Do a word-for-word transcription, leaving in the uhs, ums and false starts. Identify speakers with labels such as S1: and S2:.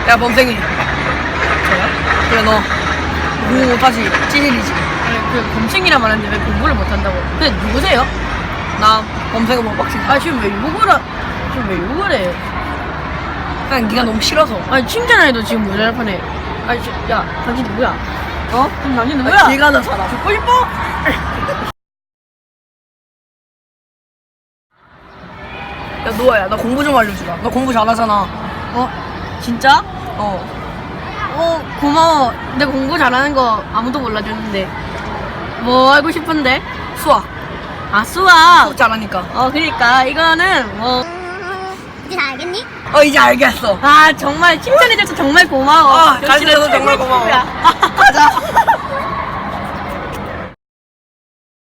S1: 야 범생이. 저요? 그래 너 공부 못하지 찌질이지.
S2: 아니 그 범생이라 말하는데 왜 공부를 못한다고? 근데 누구세요?
S1: 나 범생은 못 박힌다.
S2: 아 지금 왜 욕을 하... 지금 왜 욕을 해?
S1: 그냥 네가 너무 싫어서.
S2: 아니 칭찬해도 지금 모자랄판에. 아니 저, 야 당신 누구야? 어? 그럼 당신 누구야?
S1: 길 가는 사람.
S2: 죽고 싶어?
S1: 야 노아야 나 공부 좀 알려주라. 너 공부 잘하잖아.
S2: 어? 진짜?
S1: 어.
S2: 어 고마워. 내가 공부 잘하는 거 아무도 몰라줬는데 뭐 알고 싶은데?
S1: 수학.
S2: 아 수학.
S1: 수학 잘하니까.
S2: 어 그러니까 이거는 뭐
S3: 이제 다 알겠니?
S1: 어 이제 알겠어.
S2: 아 정말 칭찬해줘서 정말 고마워.
S1: 아,
S2: 역시
S1: 가르쳐줘서
S2: 내
S1: 정말
S2: 최고의
S1: 고마워.
S2: 친구야.
S1: 가자.